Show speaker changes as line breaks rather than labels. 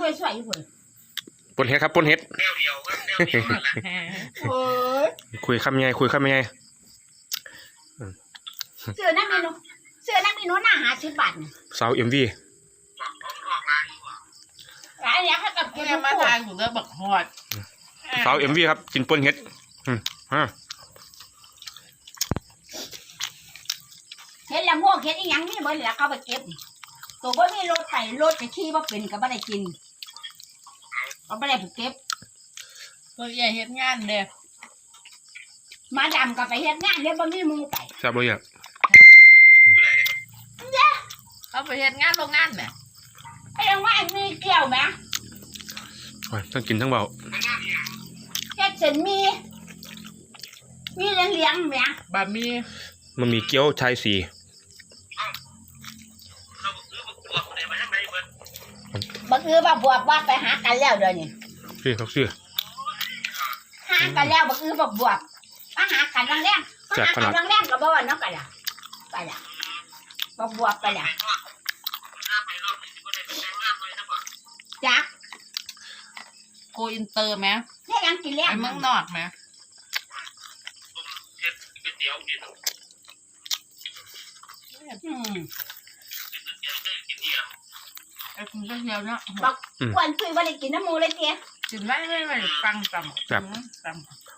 สวยอยู่คน
ปนเฮ็ดครับปนเฮ็ดคุยคำยังไงคุยคำยังไง
เสื้อนักเมนูหน้า50 บาท
สาวMV
หลายอย่างเขากับกิน
มาทานอยู่เด้อบักฮอด
สาวMVครับกินปนเฮ็ด
เฮ็ดละม่วงเฮ็ดอีหยังนี่เบิ่แล้วเขาไปเก็บตัวบ่มีรถไถรถจะขี่บ่เป็นก็บ่ได้กินก็บ่ได้ไปเก็บ
ตัวใหญ่เฮ็ดงานเด้อ
มาดำก็ไปเฮ็ดงานเดี๋ยวบ่มีมือไป
ทราบบ่อยาก
เขาไปเฮ็ดงานโรงงานแหม
ไอ้โรงงานมีเกี่ยวไหม
ทั้งกินทั้งเบา
เฮ็ดเส้นมีเลี้ยงไหม
บะหมี่
มันมีเกี๊ยวชายสี
บักว่าบวบว่าไปหากันแล้วเดี๋ยวนี้
พี่เขาซื้อ
หากันแล้วบักบวบมาหากันแรงๆมาหากันแรงๆก็บ่ว่าเนาะกันล่ะบักบวบไปล่ะจัก
โกอินเตอร์ไหม
เนี่ยยังกินแล้ว
ไปเมืองนอกไหมไอ้คุณก็เที่ยวเนาะ
บอกวันคุยวันได้กินน้ำมูเลยเตี้ย
กินไม่ฟังจำ